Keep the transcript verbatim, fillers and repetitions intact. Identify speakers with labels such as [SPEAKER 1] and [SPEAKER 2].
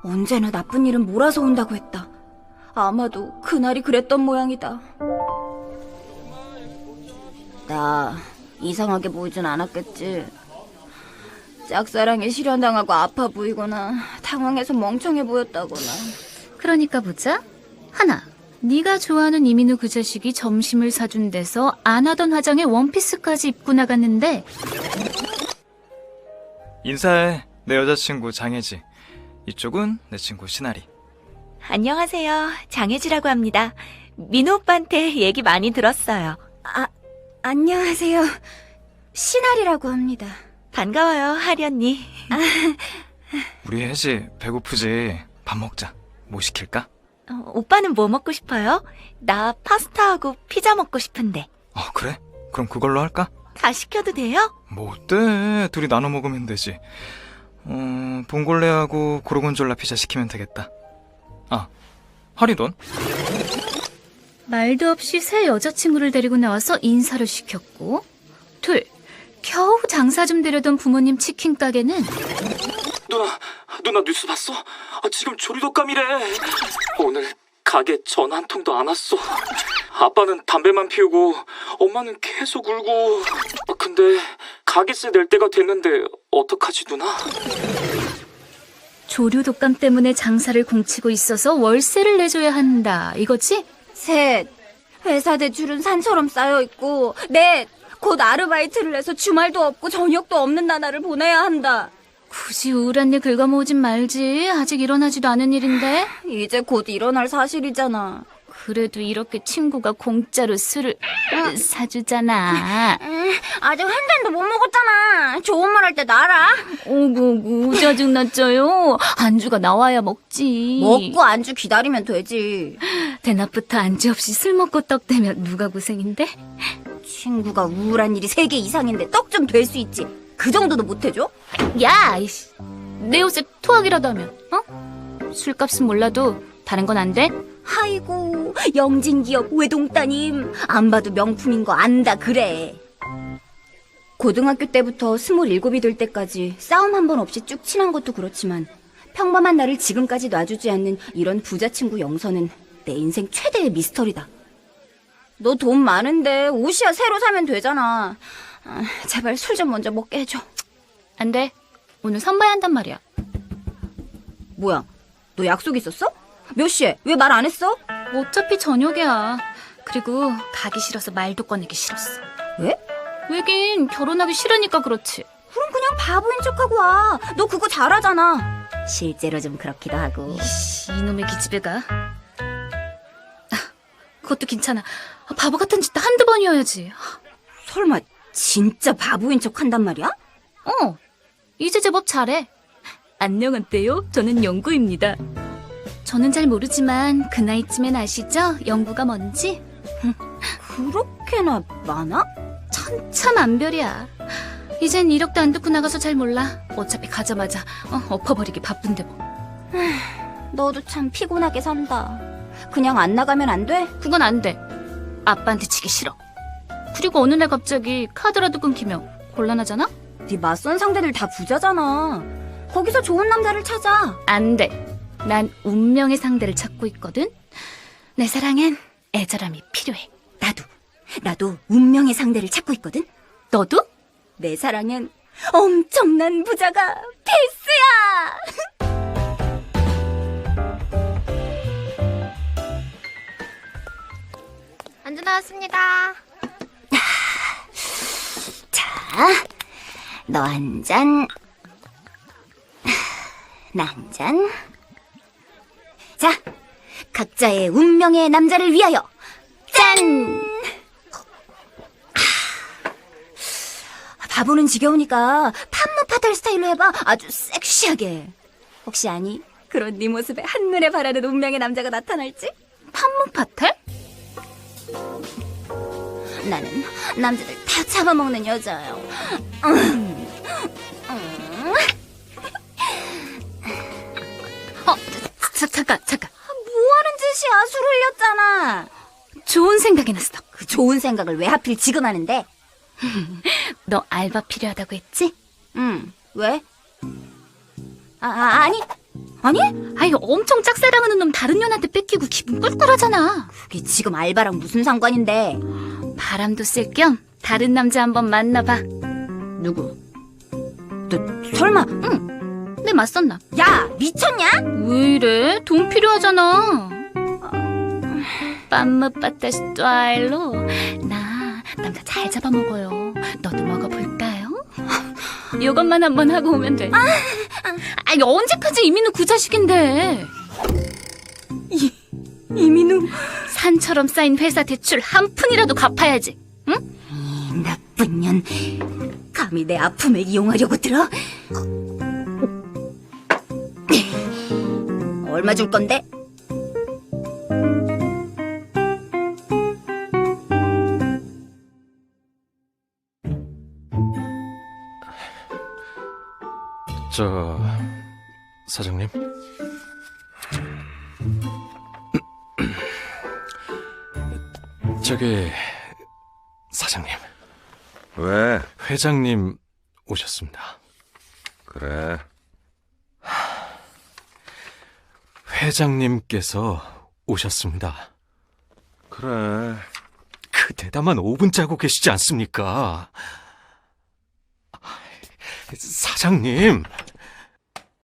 [SPEAKER 1] 언제나 나쁜 일은 몰아서 온다고 했다. 아마도 그날이 그랬던 모양이다. 나 이상하게 보이진 않았겠지. 짝사랑에 실현당하고 아파 보이거나 당황해서 멍청해 보였다거나.
[SPEAKER 2] 그러니까 보자. 하나, 네가 좋아하는 이민우 그 자식이 점심을 사준 데서 안 하던 화장에 원피스까지 입고 나갔는데.
[SPEAKER 3] 인사해. 내 여자친구 장혜지. 이쪽은 내 친구 신아리.
[SPEAKER 4] 안녕하세요. 장혜지라고 합니다. 민호 오빠한테 얘기 많이 들었어요.
[SPEAKER 1] 아, 안녕하세요. 신아리라고 합니다.
[SPEAKER 4] 반가워요, 하리 언니.
[SPEAKER 1] 아,
[SPEAKER 3] 우리 혜지 배고프지? 밥 먹자. 뭐 시킬까?
[SPEAKER 4] 어, 오빠는 뭐 먹고 싶어요? 나 파스타하고 피자 먹고 싶은데.
[SPEAKER 3] 어, 그래? 그럼 그걸로 할까?
[SPEAKER 4] 다 시켜도 돼요?
[SPEAKER 3] 뭐 어때? 둘이 나눠 먹으면 되지. 어, 봉골레하고 고르곤졸라 피자 시키면 되겠다. 아, 하리돈?
[SPEAKER 2] 말도 없이 새 여자친구를 데리고 나와서 인사를 시켰고, 둘, 겨우 장사 좀 되려던 부모님 치킨 가게는
[SPEAKER 5] 누나, 누나 뉴스 봤어? 아, 지금 조리독감이래. 오늘 가게 전화 한 통도 안 왔어. 아빠는 담배만 피우고 엄마는 계속 울고. 아, 근데 가게세 낼 때가 됐는데 어떡하지, 누나?
[SPEAKER 2] 조류 독감 때문에 장사를 공치고 있어서 월세를 내줘야 한다, 이거지?
[SPEAKER 1] 셋, 회사 대출은 산처럼 쌓여있고. 넷, 곧 아르바이트를 해서 주말도 없고 저녁도 없는 나날을 보내야 한다.
[SPEAKER 2] 굳이 우울한 일 긁어모으진 말지. 아직 일어나지도 않은 일인데.
[SPEAKER 1] 이제 곧 일어날 사실이잖아.
[SPEAKER 2] 그래도 이렇게 친구가 공짜로 술을 사주잖아.
[SPEAKER 1] 아직 한 잔도 못 먹었잖아. 좋은 말 할 때 나라.
[SPEAKER 2] 오구오구 짜증났죠요. 안주가 나와야 먹지.
[SPEAKER 1] 먹고 안주 기다리면 되지.
[SPEAKER 2] 대낮부터 안주 없이 술 먹고 떡 대면 누가 고생인데?
[SPEAKER 1] 친구가 우울한 일이 세 개 이상인데 떡 좀 될 수 있지. 그 정도도 못 해줘?
[SPEAKER 2] 야, 이씨. 내 옷에 토하기라도 하면, 어? 술값은 몰라도 다른 건 안 돼?
[SPEAKER 1] 아이고, 영진기업 외동따님. 안 봐도 명품인 거 안다 그래. 고등학교 때부터 스물일곱이 될 때까지 싸움 한 번 없이 쭉 친한 것도 그렇지만 평범한 나를 지금까지 놔주지 않는 이런 부자 친구 영선은 내 인생 최대의 미스터리다. 너 돈 많은데 옷이야 새로 사면 되잖아. 아, 제발 술 좀 먼저 먹게 해줘.
[SPEAKER 2] 안 돼. 오늘 선봐야 한단 말이야.
[SPEAKER 1] 뭐야, 너 약속 있었어? 몇 시에? 왜 말 안 했어?
[SPEAKER 2] 어차피 저녁이야. 그리고 가기 싫어서 말도 꺼내기 싫었어.
[SPEAKER 1] 왜?
[SPEAKER 2] 왜긴 결혼하기 싫으니까 그렇지.
[SPEAKER 1] 그럼 그냥 바보인 척하고 와. 너 그거 잘하잖아. 실제로 좀 그렇기도 하고.
[SPEAKER 2] 이씨, 이놈의 기집애가. 아, 그것도 괜찮아. 아, 바보 같은 짓도 한두 번이어야지.
[SPEAKER 1] 설마 진짜 바보인 척 한단 말이야?
[SPEAKER 2] 어, 이제 제법 잘해. 안녕하세요. 저는 영구입니다. 저는 잘 모르지만 그 나이쯤엔 아시죠? 영구가 뭔지?
[SPEAKER 1] 그렇게나 많아?
[SPEAKER 2] 천차만별이야. 이젠 이력도 안 듣고 나가서 잘 몰라. 어차피 가자마자 어, 엎어버리기 바쁜데 뭐.
[SPEAKER 1] 너도 참 피곤하게 산다. 그냥 안 나가면 안 돼?
[SPEAKER 2] 그건 안 돼. 아빠한테 치기 싫어. 그리고 어느 날 갑자기 카드라도 끊기면 곤란하잖아?
[SPEAKER 1] 네 맞선 상대들 다 부자잖아. 거기서 좋은 남자를 찾아.
[SPEAKER 2] 안 돼. 난 운명의 상대를 찾고 있거든. 내 사랑엔 애절함이 필요해.
[SPEAKER 1] 나도, 나도 운명의 상대를 찾고 있거든.
[SPEAKER 2] 너도?
[SPEAKER 1] 내 사랑엔 엄청난 부자가 필수야.
[SPEAKER 6] 안주 나왔습니다.
[SPEAKER 1] 자, 너 한 잔, 나 한 잔. 자, 각자의 운명의 남자를 위하여 짠! 바보는 지겨우니까 판무파탈 스타일로 해봐. 아주 섹시하게. 혹시 아니? 그런 네 모습에 한눈에 반하는 운명의 남자가 나타날지?
[SPEAKER 2] 판무파탈?
[SPEAKER 1] 나는 남자들 다 잡아먹는 여자예요. 음. 음.
[SPEAKER 2] 어, 자, 잠깐, 잠깐.
[SPEAKER 1] 뭐하는 짓이야? 술 흘렸잖아.
[SPEAKER 2] 좋은 생각이 났어.
[SPEAKER 1] 그 좋은 생각을 왜 하필 지금 하는데?
[SPEAKER 2] 너 알바 필요하다고 했지?
[SPEAKER 1] 응. 왜? 아, 아 아니 아니?
[SPEAKER 2] 아이, 엄청 짝사랑하는 놈 다른 년한테 뺏기고 기분 꿀꿀하잖아.
[SPEAKER 1] 그게 지금 알바랑 무슨 상관인데?
[SPEAKER 2] 바람도 쐴 겸 다른 남자 한번 만나봐.
[SPEAKER 1] 누구? 너 설마?
[SPEAKER 2] 응, 내 맞섰나?
[SPEAKER 1] 야, 미쳤냐?
[SPEAKER 2] 왜 이래? 돈 필요하잖아. 빰무 빠따 스타일로 나 남자 잘 잡아먹어요. 너도 먹어볼까요? 이것만 한번 하고 오면 돼. 아니, 언제까지 이민우 그 자식인데.
[SPEAKER 1] 이민우.
[SPEAKER 2] 산처럼 쌓인 회사 대출 한 푼이라도 갚아야지. 응?
[SPEAKER 1] 이 나쁜 년. 감히 내 아픔을 이용하려고 들어? 얼마 줄 건데?
[SPEAKER 6] 저 사장님, 저기 사장님,
[SPEAKER 7] 왜?
[SPEAKER 6] 회장님 오셨습니다.
[SPEAKER 7] 그래.
[SPEAKER 6] 회장님께서 오셨습니다.
[SPEAKER 7] 그래.
[SPEAKER 6] 그 대담한 오 분 짜고 계시지 않습니까? 사장님,